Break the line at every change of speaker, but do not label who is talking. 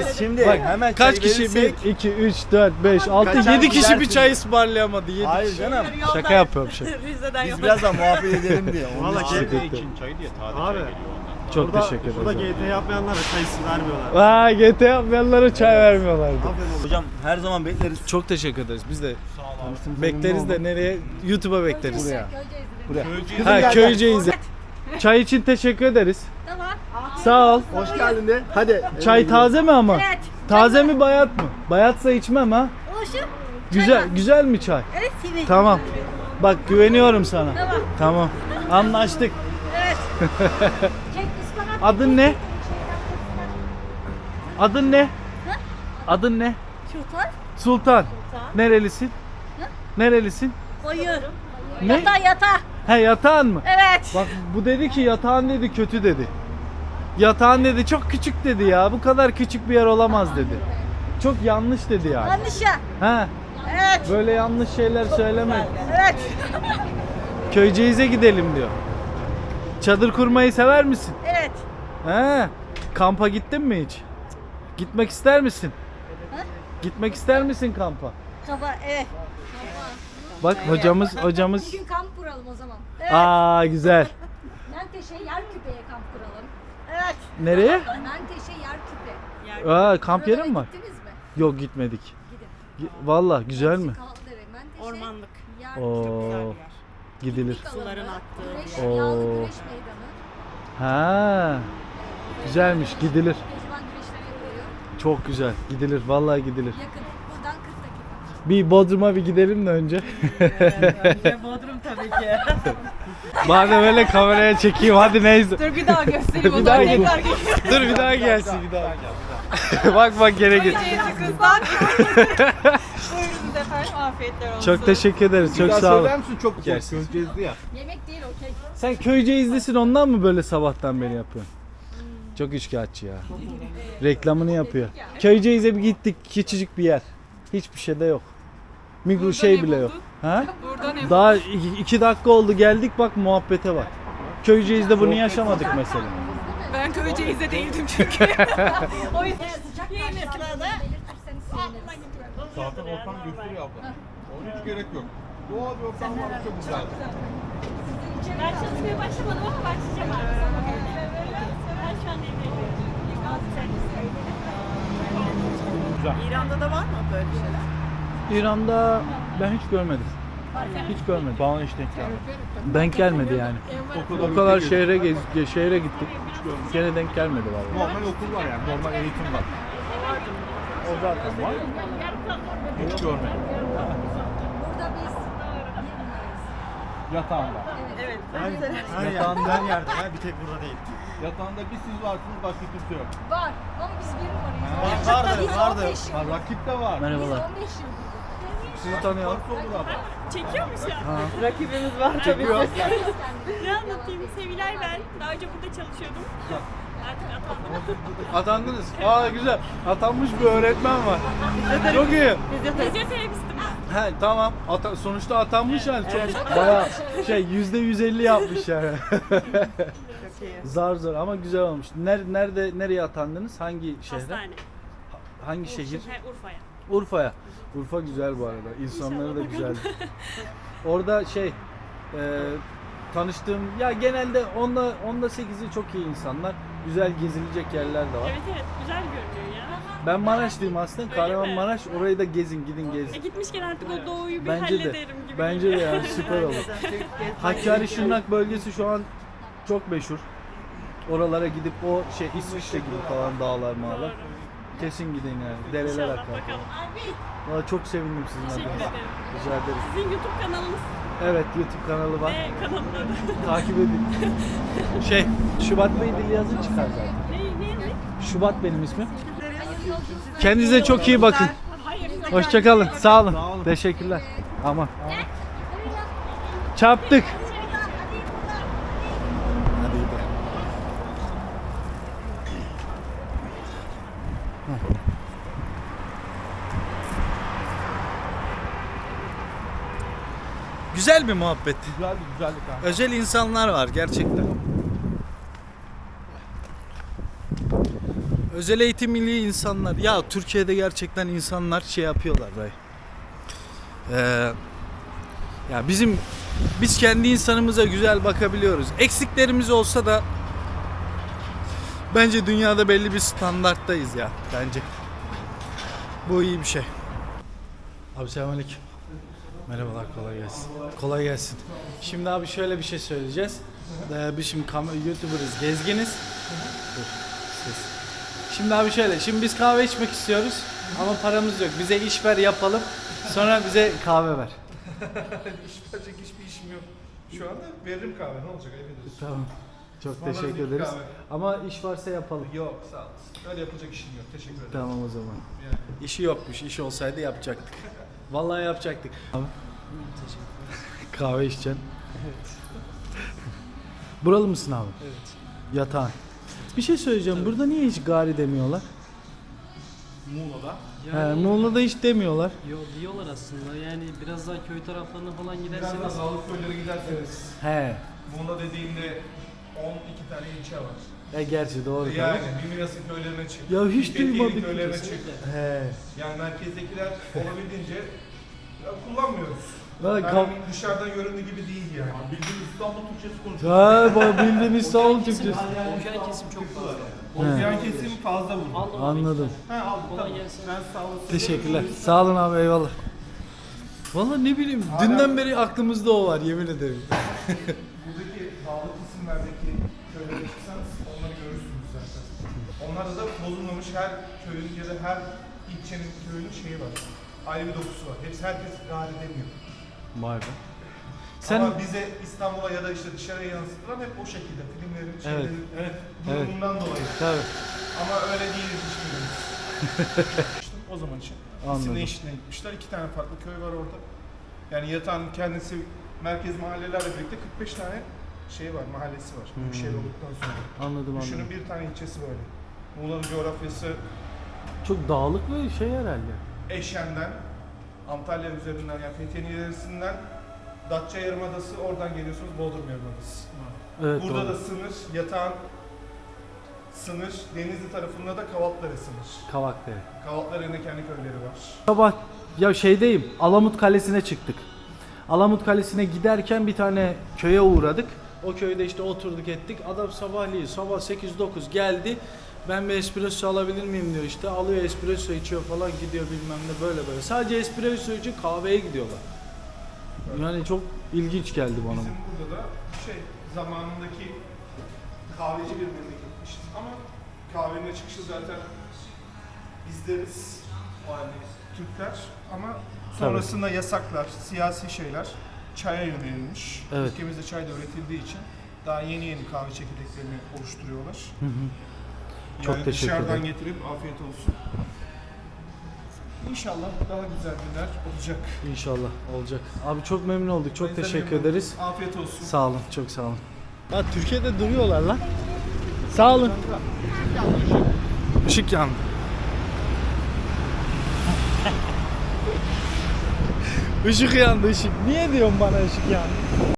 Biz şimdi
Bak,
hemen
kaç
çay
kişi?
verirsek-
1, 2, 3, 4, 5, 6,
Kaçar
7 kişi bir
gidersiniz.
çay ısmarlayamadı. 7
Hayır
kişi.
canım.
Şaka yapıyorum şaka.
Rize'den
Biz
yola.
birazdan muhabbet edelim diye. Onun
Valla
için.
Sıkıntı.
için çayı diye taze
Abi.
çay geliyor ondan.
Çok teşekkür
Burada
ederim.
GT yapmayanlara çayısı vermiyorlar.
Vay GT yapmayanlara çay vermiyorlardı.
Hocam her zaman bekleriz.
Çok teşekkür ederiz. Biz de bekleriz de nereye? YouTube'a bekleriz.
Buraya.
Ha Köyceğiz'e. Çay için teşekkür ederiz.
Tamam.
Sağ ol.
Hoş geldin de. Hadi.
Çay taze mi ama?
Evet.
Taze mi bayat mı? Bayatsa içmem ha.
Oluşum.
Güzel mi çay?
Evet Sivil.
Tamam. Bak güveniyorum sana.
Tamam.
Tamam. Anlaştık.
Evet. Çek ıspanak.
Adın ne? Adın ne? Adın ne?
Sultan.
Sultan. Nerelisin?
Hı?
Nerelisin?
Koyu.
Ne?
Yata.
He yatağın mı?
Evet.
Bak bu dedi ki yatağın dedi kötü dedi. Yatağın dedi çok küçük dedi ya. Bu kadar küçük bir yer olamaz dedi. Çok yanlış dedi yani.
Yanlış ya.
He.
Evet.
Böyle yanlış şeyler söyleme.
Evet.
Köyceğiz'e gidelim diyor. Çadır kurmayı sever misin?
Evet.
He. Kampa gittin mi hiç? Gitmek ister misin?
Ha?
Gitmek ister misin kampa?
Kafa evet.
Bak hocamız.
Bugün kamp kuralım o zaman.
Evet.
Aa güzel.
Menteşe Yerküpe'ye kamp kuralım.
Evet.
Nereye?
Menteşe Yerküpe.
Aa kamp yeri mi
Oralara
var?
gittiniz mi?
Yok gitmedik.
Gidin.
Vallahi güzel mi?
Kaldırı, Menteşe,
Ormanlık.
Yerküpe.
Oo gidilir.
Suların aktığı.
Güreş,
Oo.
yağlı güreş meydanı.
Ha. Güzelmiş gidilir.
Pehlivan güreşleri yapılıyor.
Çok güzel. Gidilir. Vallahi gidilir.
Yakın. Buradan 40 dakika.
Bir Bodrum'a bir gidelim de önce.
Önce Bodrum tabii ki.
Madem öyle kameraya çekeyim hadi neyse.
Dur bir daha göstereyim
Bir
o
daha
zaman.
gel.
Tekrar geçelim.
Dur bir daha gelsin bir daha. Bak gene git.
Kızlar. Buyurun efendim. Afiyetler olsun.
Çok teşekkür ederiz. Çok sağ olun.
misin? Çok
Yersiz.
Köyceğiz'di ya.
Yemek değil okey.
Sen Köyceğiz'lisin ondan mı böyle sabahtan beri yapıyorsun? Çok üçkağıtçı ya. Reklamını yapıyor. Köyceğiz'e bir gittik. Küçücük bir yer. Hiçbir şey de yok. Mikro şey bile yok. Ha? Daha 2 dakika oldu geldik bak muhabbete bak. Köyceğiz'de bunu yaşamadık mesela.
Ben Köyceğiz'de değildim çünkü. O yüzden yeni sırada.
Belirtirseniz seviniriz.
Zaten ortam gösteriyor abla. Onun hiç gerek yok. Doğal bir ortam var, çok güzel.
Ben çalışmaya başlamadım ama başlayacağım artık. Ben şu an evdeyim.
İran'da da var mı böyle şeyler?
İran'da ben hiç görmedim. Hiç görmedim.
Bana hiç denk gelmedi.
Denk gelmedi yani. O kadar şehre gittik. Gene denk gelmedi vallahi.
Normal okul var yani, normal eğitim var. O zaten var. Hiç görmedim.
Burada biz yemeyiz.
Yatağında.
Evet.
Her yerde. Ha, bir tek burada değil.
Yatağında bir siz varsınız, başka kimse yok.
Var ama biz bir numarayız. Biz
Vardı.
15 yıl.
Ha, rakip de var.
Biz
Merhabalar.
15 yıl.
Sizi tanıyalım.
Olur abla.
Çekiyor mu şu an?
Rakibimiz var tabii ki.
Ne anlatayım? Sevilay ben. Daha önce burada çalışıyordum. Artık atandım.
Atandınız. Aa güzel. Atanmış bir öğretmen var. Çok iyi.
Fizyoterapistim.
He tamam. Sonuçta atanmış yani. Çok bayağı %150 yapmış yani. Zar zor ama güzel olmuş. Nereye atandınız? Hangi şehre?
Hastane.
Hangi şehir?
Urfa'ya.
Urfa'ya. Urfa güzel bu arada. İnsanları da güzel. Orada tanıştığım ya genelde onda 8'i çok iyi insanlar. Güzel gezilecek yerler de var.
Evet güzel görünüyor ya.
Ben Maraşlıyım aslında.
Öyle
Kahramanmaraş. Orayı da gidin gezin.
Gitmişken artık o doğuyu bir
Bence de.
hallederim gibi.
Bence de yani süper olur. Hakkari Şırnak bölgesi şu an çok meşhur. Oralara gidip o İsviçre gibi falan dağlar mağlar. Kesin gidin yani. Dereler
İnşallah
akar.
bakalım.
Valla çok sevindim sizin
Teşekkür
adınıza.
ederim.
Rica ederim.
Sizin YouTube kanalınız
Evet YouTube kanalı var.
ne kanalın adı?
Takip edin. Şubat Bey dili yazın çıkar zaten.
Ne?
Şubat benim ismim. Kendinize çok iyi bakın.
Hayır.
Hoşçakalın. Sağ olun. Teşekkürler. Aman. Çarptık. Güzel bir muhabbet.
Güzellik ha.
Özel insanlar var gerçekten. Özel eğitimli insanlar. Ya Türkiye'de gerçekten insanlar şey yapıyorlar dayı. Ya biz kendi insanımıza güzel bakabiliyoruz. Eksiklerimiz olsa da bence dünyada belli bir standarttayız ya bence. Bu iyi bir şey. Abi selamünaleyküm. Merhabalar, kolay gelsin. Kolay gelsin. Şimdi abi şöyle bir şey söyleyeceğiz. Biz şimdi YouTuber'ız, gezginiz. Dur, ses. Şimdi abi şöyle, şimdi biz kahve içmek istiyoruz ama paramız yok. Bize iş ver yapalım, sonra bize kahve ver.
İş verecek hiçbir işim yok. Şu anda veririm kahve, ne olacak ayıp ediyorsun.
Tamam. Çok
Ismarladık
teşekkür ederiz.
kahve.
Ama iş varsa yapalım.
Yok sağ olasın. Öyle yapacak işim yok. Teşekkür ederim.
Tamam o zaman.
Yani.
İşi yokmuş. İş olsaydı yapacaktık. Vallahi yapacaktık. Abi. Kahve içeceksin. Evet. Buralı mısın abi?
Evet.
Yatağın. Bir şey söyleyeceğim. Burada niye hiç gari demiyorlar?
Muğla'da.
Muğla'da hiç demiyorlar.
Diyorlar aslında yani biraz daha köy taraflarına falan
Biraz
giderseniz.
daha sağlık köylere giderseniz.
He.
Muğla dediğinde 12 tane ilçe var.
Gerçi doğru
Yani
tabii.
bir Milas'ın köylerine çık.
Ya hiç
bir Fethiye'nin
duymadık.
köylerine çık.
He.
Yani merkezdekiler olabildiğince kullanmıyoruz.
Valla
Yani dışarıdan göründüğü gibi değil yani. Bildiğin İstanbul Türkçesi konuşuyor.
bildiğin İstanbul Türkçesi.
Okyan kesim çok fazla.
Oksijen kesimi fazla vurdu.
Aldım.
Anladım.
Ha aldım
Kolay
tamam.
gelsin.
Ben sağ olasın.
Teşekkürler. Sağ olun abi, eyvallah. Vallahi ne bileyim, dünden beri aklımızda o var, yemin ederim.
Buradaki dağlık isimlerdeki köylere çıksanız onları görürsünüz zaten. Onlarda da bozulmamış her köyün ya da her ilçenin köyünün şeyi var. Ayrı bir dokusu var. Herkes gari demiyor.
Vay be. Sen
Ama bize İstanbul'a ya da işte dışarıya yansıtılan hep o şekilde. Filmlerin, şeylerin, durumundan dolayı.
tabii.
Ama öyle değiliz hiçbirimiz. O zaman için.
Anladım.
İsim değişikliğine gitmişler. 2 tane farklı köy var orada. Yani yatağın kendisi merkez mahallelerle birlikte 45 tane şey var, mahallesi var. Büyükşehir olduktan sonra.
Anladım.
Düşünün bir tane ilçesi böyle. Muğla'nın coğrafyası
Çok dağlık bir şey herhalde.
Eşen'den, Antalya üzerinden yani Fethiye'nin ilerisinden Datça Yarımadası, oradan geliyorsunuz Bodrum Yarımadası.
Evet,
Burada
doğru.
da sınır, yatağın sınır, Denizli tarafında da Kavatlara sınır.
Kavakdere.
Kavatlar'ın da kendi köyleri var.
Sabah ya şeydeyim, Alamut Kalesi'ne çıktık. Alamut Kalesi'ne giderken bir tane köye uğradık. O köyde işte oturduk ettik. Adam sabahleyin sabah 8-9 geldi. Ben bir espresso alabilir miyim diyor işte. Alıyor espresso içiyor falan, gidiyor bilmem ne, böyle böyle. Sadece espresso için kahveye gidiyorlar. Yani çok ilginç geldi bana
Bizim
bu.
burada da zamanındaki kahveci bir memleketmiş. Ama kahvenin çıkışı zaten bizleriz, yani Türkler. Ama sonrasında yasaklar, siyasi şeyler çaya yönelilmiş.
Evet.
Ülkemizde çay da üretildiği için daha yeni kahve çekirdeklerini oluşturuyorlar.
Çok
Yani
teşekkür
dışarıdan
ederim.
getirip afiyet olsun. İnşallah daha güzel günler olacak.
İnşallah olacak. Abi çok memnun olduk. Çok
Biz de
teşekkür
memnun
ederiz.
olduk. Afiyet olsun.
Sağ olun. Çok sağ olun. Ha, Türkiye'de duruyorlar lan. Sağ olun.
Işık yandı.
Işık yandı, ışık. Niye diyorsun bana ışık yandı?